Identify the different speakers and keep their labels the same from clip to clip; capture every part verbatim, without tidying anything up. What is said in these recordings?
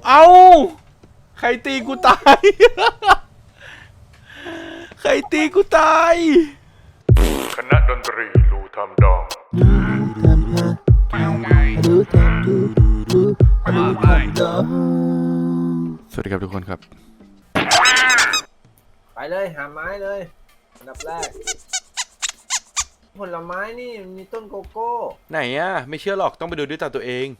Speaker 1: เอาใครตีกูตาย ใครตีกูตาย
Speaker 2: คณะดนตรีลูทำดองสวัสดีครับทุกคนครับ
Speaker 3: ไปเลยหาไม้เลยอันดับแรกผลไม้นี่มีต้นโกโก้
Speaker 1: ไหนอ่ะไม่เชื่อหรอกต้องไปดูด้วยตาตัวเอง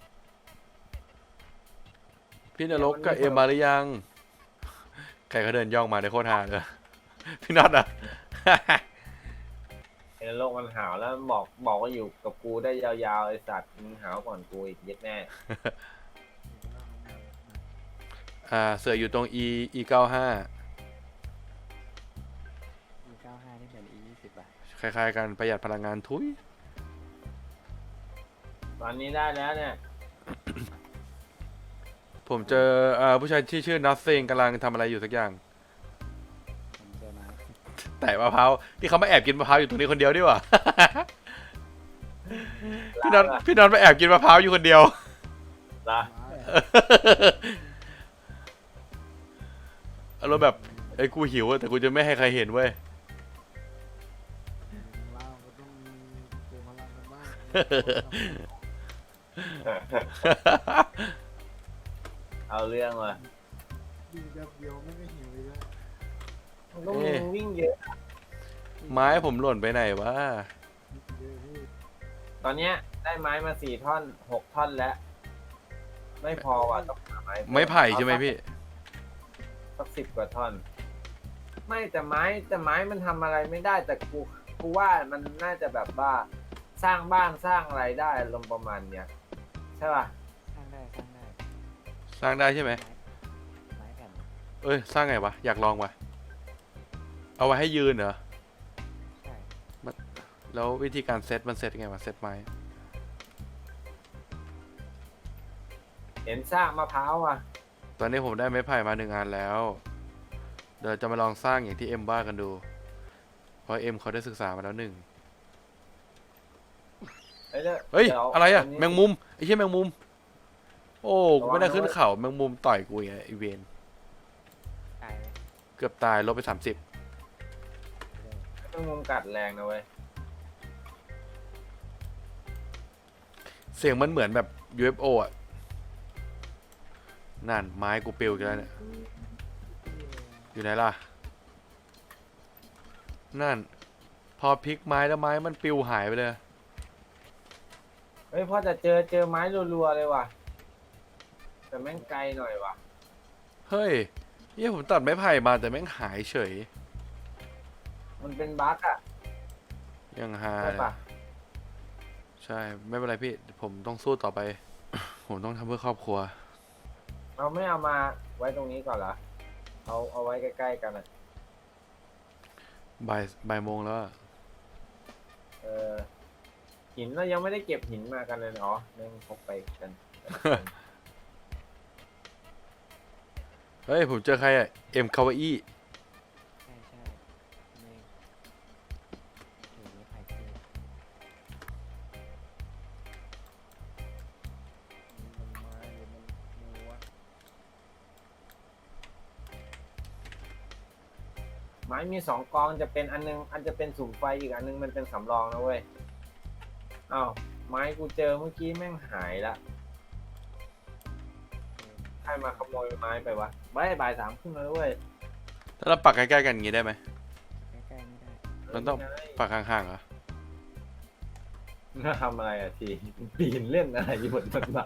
Speaker 1: พี่นรกกับเอ็มมาหรือยังใครเขาเดินย่องมาในโคตรฮาเลยพี่น็อตอ่ะ
Speaker 3: เห็นโลกมันหาวแล้วบอกบอกว่าอยู่กับกูได้ยาวๆไอสัตว์มึงหาวก่อนกูอีกเย็ดแน่
Speaker 1: อ่าเสืออยู่ตรง e e เก้าห้า
Speaker 4: อีเก้าห้านี่เหมือน อียี่สิบอ่ะ
Speaker 1: คล้ายๆกันประหยัดพลังงานทุย
Speaker 3: ตอนนี้ได้แล้วเนี่ย
Speaker 1: ผมเจออ่าผู้ชายที่ชื่อ Nothing กำลังทำอะไรอยู่สักอย่าง
Speaker 4: ผมเจอมา
Speaker 1: แต่มะพร้าวที่เขามาแอบกินมะพร้าวอยู่ตรงนี้คนเดียวดีกว่า พี่น็อตพี่น็อตมาแอบกินมะพร้าวอยู่คนเดียว
Speaker 3: ละ
Speaker 1: อารมณ์แบบไอ้กูหิวแต่กูจะไม่ให้ใครเห็นเว้ย
Speaker 4: เล่าก็ต้องมีเจอมาเล่ากันบ้าง
Speaker 3: เอาเรื่องว่ะ
Speaker 4: ดีแบบเดียวไม่ได้หิวเลย
Speaker 3: มันก็มึงวิ่งเยอะ
Speaker 1: ไม้ผมหล่นไปไหนวะ
Speaker 4: เยอะพี่
Speaker 3: ตอนเนี้ยได้ไม้มาสี่ท่อนหกท่อนแล้วไม่พอว่ะต้องหาไม้
Speaker 1: ไม้ไผ่ใช่ไหมพี่
Speaker 3: สักสิบกว่าท่อน ไม่แต่ไม้แต่ไม้มันทำอะไรไม่ได้แต่กูกูว่ามันน่าจะแบบว่าสร้างบ้านสร้างอะไรได้ลมณ์ประมาณเนี้ยใช่ป่ะ
Speaker 4: สร้างได้สร้างได้
Speaker 1: สร้างได้ใช่ไหม
Speaker 4: ไม้แผ่น
Speaker 1: เอ้ยสร้างไงวะอยากลองวะเอาไว้ให้ยืนเหรอ
Speaker 4: ใช่
Speaker 1: แล้ววิธีการเซตมันเซตยังไงวะเซตไม้
Speaker 3: เห็นสร้างมะพร้าวอ่ะ
Speaker 1: ตอนนี้ผมได้ไม้ไผ่มาหนึ่งอันแล้วเดี๋ยวจะมาลองสร้างอย่างที่เอ็มว่ากันดูเพราะเอ็มเขาได้ศึกษามาแล้วหนึ่ง
Speaker 3: เฮ้ยดี๋ว
Speaker 1: เฮ้ย
Speaker 3: ดี๋ว
Speaker 1: อะไรอะ
Speaker 3: นนี้
Speaker 1: แมงมุมไอ้เชี่ยแมงมุมโอ้กูไม่ได้
Speaker 3: ระวัง
Speaker 1: ขึ้น
Speaker 3: ด้วย
Speaker 1: เขาแมงมุมต่อยกูไงไอเวน
Speaker 4: ตายเลย
Speaker 1: เกือบตายลบไปสามสิบ
Speaker 3: แมงมุมกัดแรงนะเว้ย
Speaker 1: เสียงมันเหมือนแบบ ยู เอฟ โอ อ่ะนั่นไม้กูปิวกันแล้วเนี่ยอยู่ไหนล่ะนั่นพอพลิกไม้แล้วไม้มันปิวหายไปเลย
Speaker 3: เฮ้ยพ่อจะเจอเจอไม้รัวๆเลยว่ะแต่แม่งไกลหน่อยว่ะ
Speaker 1: เฮ้ยเนี่ยผมตัดไม้ไผ่มาแต่แม่งหายเฉย
Speaker 3: มันเป็นบั๊กอ่ะ
Speaker 1: ยังหา
Speaker 3: ใช่
Speaker 1: เลย
Speaker 3: ปะ
Speaker 1: ใช่ไม่เป็นไรพี่ผมต้องสู้ต่อไป ผมต้องทำเพื่อครอบครัว
Speaker 3: เราไม่เอามาไว้ตรงนี้ก่อนเหรอเอาเอาไว้ใกล้ๆกันอ่ะ
Speaker 1: บ่ายบ่ายโมงแล้วอะ
Speaker 3: เออหินเรายังไม่ได้เก็บหินมากันเลยอ๋อเร่งพกไปกัน
Speaker 1: เฮ้ยผมเจอใครอะเอ็มคาวาอี้
Speaker 4: ใช่ใช่ไม่เดี๋ยวไม่ไผ่ที่มันไม้หรือมันมัว
Speaker 3: ไม้มีสองกองจะเป็นอันนึงอันจะเป็นสุ่มไฟอีกอันนึงมันเป็นสำรองนะเว้ยอ้าวไม้กูเจอเมื่อกี้แม่งหายละใครมาขโมยไม้ไปวะบ่ายบ่ายสามครึ่งแล้วเว้ย
Speaker 1: ถ้าเราปักใกล้ๆกันอย่างงี้ได้ไหม
Speaker 4: ใกล้ๆไม่ได้
Speaker 1: มันต้อง ปักห่างๆเหรอ
Speaker 3: น่าทำอะไรอ่ะทีปีนเล่นอะไรอยู่บนต้นไม้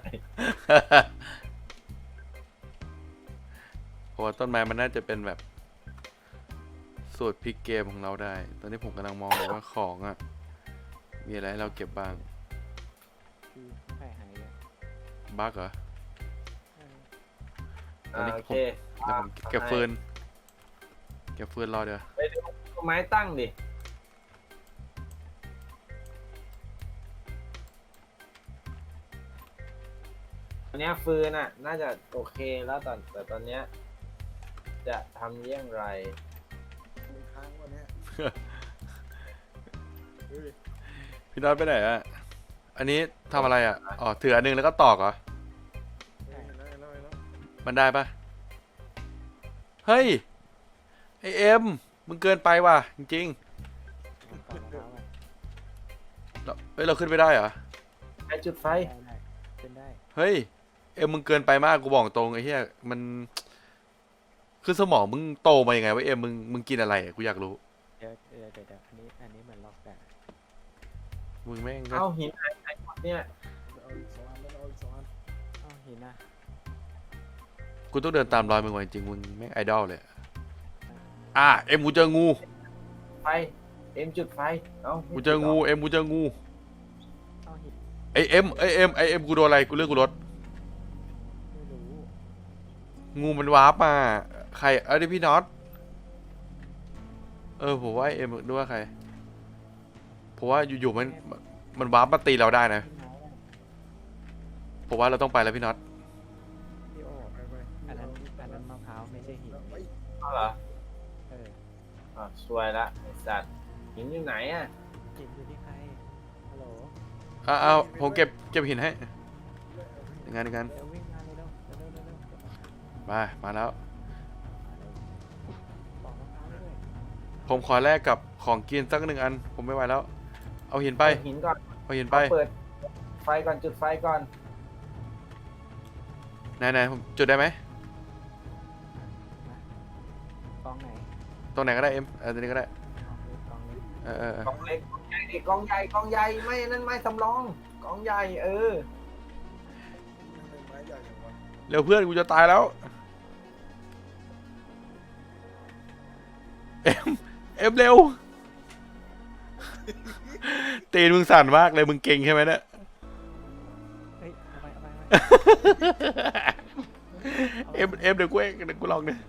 Speaker 1: เพราะว่าต้นไม้มันน่าจะเป็นแบบสูตรพลิกเกมของเราได้ ตอนนี้ผมกำลังมองอยู่ว่าของอ่ะมีอะไรให้เราเก็บบ้าง
Speaker 4: คือไผ่หายอ่ะ
Speaker 1: บั๊กเหรอ ตอนนี้
Speaker 3: อ่าโอ
Speaker 1: ผม
Speaker 3: เค
Speaker 1: เดี๋ยวผมเก็บฟืนเก็บฟืนรอเดี๋ยว
Speaker 3: ไปดูไม้ตั้งดิตอนเนี้ยฟืนอ่ะ น่าจะโอเคแล้วตอนแต่ตอนเนี้ยจะทำเยี่ยงไร
Speaker 4: มันค้างวันเนี้ย
Speaker 1: พี่น็อตไปไหนอ่ะอันนี้ทำอะไรอ่ะอ๋อถืออันหนึงแล้วก็ตอกเหรอ
Speaker 4: ใช่
Speaker 1: ไมันได้ปะเฮ้ยไอเอ็มมึงเกินไปว่ะจริง
Speaker 4: เอาปอกมะพร้าวไป
Speaker 1: ๆเราเฮ้ยเราขึ้นไม่ได้เหรอ
Speaker 3: ไอจุดไฟ
Speaker 4: ได้ได้ขึ้นได้
Speaker 1: เฮ้ยเอ็มมึงเกินไปมากกูบอกตรงไอ้เหี้ยมันคือสมองมึงโตมายังไงวะเอ็มมึงมึงกินอะไรอะกูอยากรู้
Speaker 4: เดี๋ยวเดี๋ยวเดี๋ยวเดี๋ยวอันนี้อันนี้เหมือนล็อกแต่
Speaker 1: มึงแม่งก็
Speaker 3: เอาหินหายไปหมดเนี่ย
Speaker 4: เอาอีกสองอันเอาอีกสองอันเอาหินนะ
Speaker 1: กูต้องเดินตามรอยมึงว่ะจริงๆมึงแม่งไอดอลเลย
Speaker 4: อ่า
Speaker 1: อ่ะเอ็มกูเจองู
Speaker 3: ไฟเอ็มจุดไฟเอา
Speaker 1: กูเจองูเอ็มกูเจองู
Speaker 4: เอาหิน
Speaker 1: ไอเอ็มไอเอ็มไอเอ็มกูโดนอะไรกูเลือกกูรถ
Speaker 4: ไม่รู้
Speaker 1: งูมันวาร์ปมาใครเอ้ยพี่น็อตเออผมว่าไอ้เอ็มนึกว่าใครผมว่าอยู่ๆมันมันวาร์ปมาตีเราได้นะ
Speaker 4: ขึ้นมาแล้ว
Speaker 1: ผมว่าเราต้องไปแล้วพี่น็อต
Speaker 4: พี่โออันนั้นอันนั้นมะพร้าวไม่ใช่หิน
Speaker 3: เอาเหรอ
Speaker 4: เออ
Speaker 3: อ่ะสวยละไอสัตว์หินอยู่ไหนอ่ะ
Speaker 4: หินอยู่ที่ใครฮัลโหล
Speaker 1: อ้าวอ้าวผมเก็บเก็บหินให้ยังไงยังไง
Speaker 4: เร็ววิ่งมาเร็วเร็วเร็วเร็วเร็วเร็ว
Speaker 1: มามาแล้ว
Speaker 4: ปอกมะพร้าวด้วย
Speaker 1: ผมขอแลกกับของกินสักหนึ่งอัน ผมไม่ไหวแล้ว เอาหินไป
Speaker 3: เอาหินก่อน
Speaker 1: เอาหินไป
Speaker 3: เปิดไฟก่อนจุดไฟก่อน
Speaker 1: ไหนไหนผมจุดได้ไหม
Speaker 4: กองไหน
Speaker 1: ตรงไหนก็ได้เอ็มเออตรงนี้ก็ได้
Speaker 4: กองนี้กองนี้
Speaker 1: เออเออเออก
Speaker 3: องเล็กกองใหญ่ดิกองใหญ่กองใหญ่ไม่นั่นไม่สำรองกองใหญ่เออ
Speaker 1: เร็วเพื่อนกูจะตายแล้วเอ็มเอ็มเร็วตีนมึงสั่นมากเลยมึงเก่งใช่ไหมเนี่ย
Speaker 4: เฮ้ยเอาไปเอาไปเอาไป
Speaker 1: เอ็มเอ็มเดี๋ยวกูเองเดี๋ยวกูลองเนี่ย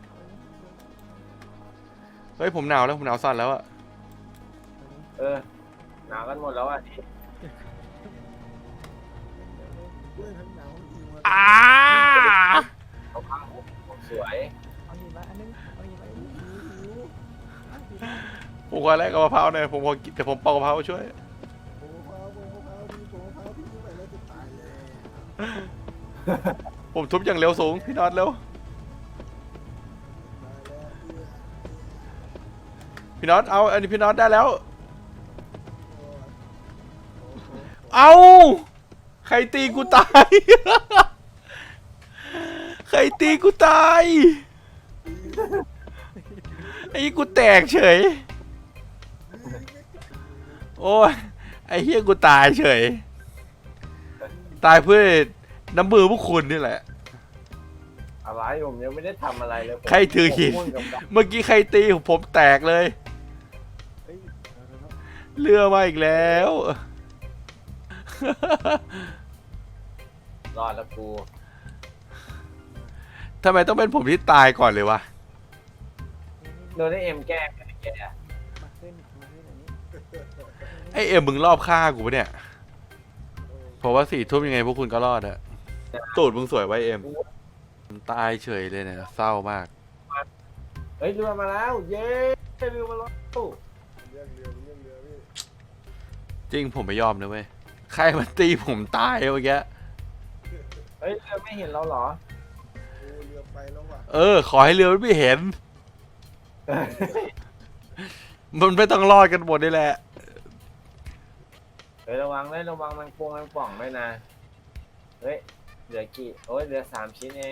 Speaker 1: เฮ้ยผมหนาวแล้วผมหนาวสั่นแล้วอะ
Speaker 3: เออหนาวกันหมดแล้วอ่ะ
Speaker 1: อ้า
Speaker 3: เอาผ้าห่มสวย
Speaker 4: เอาหินมาอันนึงเอาหินมาอันนึงหิวหิวอ่ะหิว
Speaker 1: ผมขอแลกกับมะพร้าวหน่อยผมขอกินแต่ผมปอกมะพร้าวช่วยผมทุบอย่างเร็วสูงพี่น็อตเร็วพี่น็อตเอาอันนี้พี่น็อตได้แล้วเอาใครตีกูตาย ใครตีกูตายไอ้กูแตกเฉยโอ้ยไอ้เฮียกูตายเฉยตายเพื่อน้ำมือพวกคุณนี่แหละ
Speaker 3: อะไรผมยังไม่ได้ทำอะไรเลยผม
Speaker 1: ใครถือหิน
Speaker 3: ผมมุ่งกับดัก
Speaker 1: เมื่อกี้ใครตีผมแตกเลย
Speaker 4: เฮ้ยเอาเร็วๆ
Speaker 1: เรือมาอีกแล้ว
Speaker 3: รอดแล้วกู
Speaker 1: ทำไมต้องเป็นผมที่ตายก่อนเลยวะ
Speaker 3: โดนไอเอ็มแกล้งไอ้แก
Speaker 4: มาขึ้นมาขึ้นอันนี้
Speaker 1: ไอเอ็มมึงรอบฆ่ากูปะเนี่ยเพราะว่าสี่ทุ่มยังไงพวกคุณก็รอดอะตูดมึงสวยไว้เอ็มตายเฉยเลยเนี่ยเศร้ามาก
Speaker 3: เฮ้ยเรือมาแล้วเย้เรือมาแล้ว
Speaker 1: จริงผมไม่ยอมนะเว้ยใครมาตีผมตายเมื่อกี้
Speaker 3: เฮ้ยเรือไม่เห็นเราเหรอ
Speaker 1: เออ ขอให้เรือมันไม่เห็น มันไม่ต้องรอดกันหมดนี่แหละ
Speaker 3: เฮ้ยระวังเลยระวังมันพวงมันป่องด้วยนะเฮ้ยเหลือกี่โอ้ยเหลือสามชิ้นเอง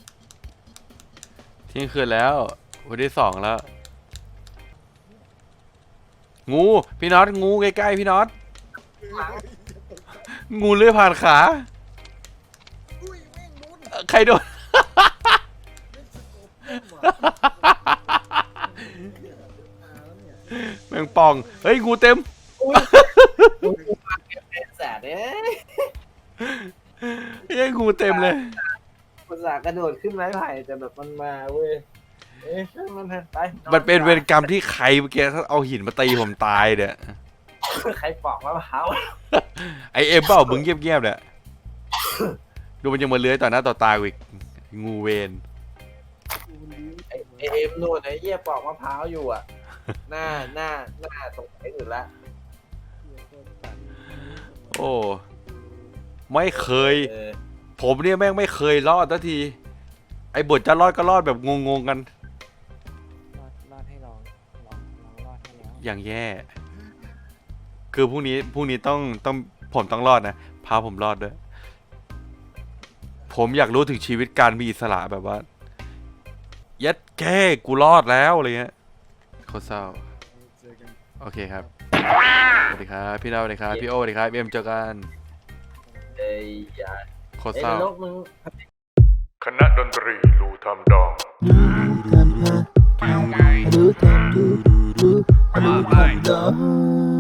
Speaker 1: เที่ยงคืนแล้ววันที่สองแล้ว งูพี่น็อตงูใกล้ๆพี่น็อตงูเลื้อยผ่านขาใครโดน แมงป่องเฮ้ยงูเต็ม
Speaker 3: อุ้ยกูมาเก็บเป็นแสนเอ้ย
Speaker 1: เฮ้ยงูเต็มเลย
Speaker 3: ภาษาห์กระโดดขึ้นไม้ไผ่แต่แบบมันมาเว้ยเอ้ยช่างมันเถอะไปอ
Speaker 1: มันเป็นเวรกรรมที่ใครเมื่อกี้ถ้าเอาหินมาตีผมตายเนี่ย
Speaker 3: ใครปอกมะพร้าว
Speaker 1: ไอเอ็มเปล่ามึงเงียบๆเนี่ยดูมันยังมาเลื้อยต่อหน้าต่อตากูอีกงูเวน
Speaker 3: ไอ้ไอ้เอ็มนู่นไอ้เหี้ยปอกมะพร้าวอยู่อ่ะ หน้าหน้าหน้าตรงไหนอื่นละ
Speaker 1: โอ้ไม่เคย
Speaker 3: เออ
Speaker 1: ผมเนี่ยแม่งไม่เคยรอดสักที ไออ้บทจะรอดก็รอดแบบงงๆกัน
Speaker 4: รอดรอดให้ลองลองลองรอดให้แล้ว
Speaker 1: อย่างแย่ คือพรุ่งนี้พรุ่งนี้ต้องต้องผมต้องรอดนะ พาผมรอดด้วย ผมอยากรู้ถึงชีวิตการมีอิสระแบบว่า ยัดแก้กูรอดแล้วอะไรเงี้ยโคตรเศร้า โอเคครับ สวัสดีครับ พี่ดาวสวัสดีครับ พี่โอสวัสดีครับ เอ็มเจอกัน
Speaker 3: เอ้ยอย่า
Speaker 1: โคตร
Speaker 3: เอ้ย
Speaker 1: เศร้า
Speaker 3: นรกมึง
Speaker 2: คณะดนตรีรูทำดอง
Speaker 5: do do do do do do do do do do do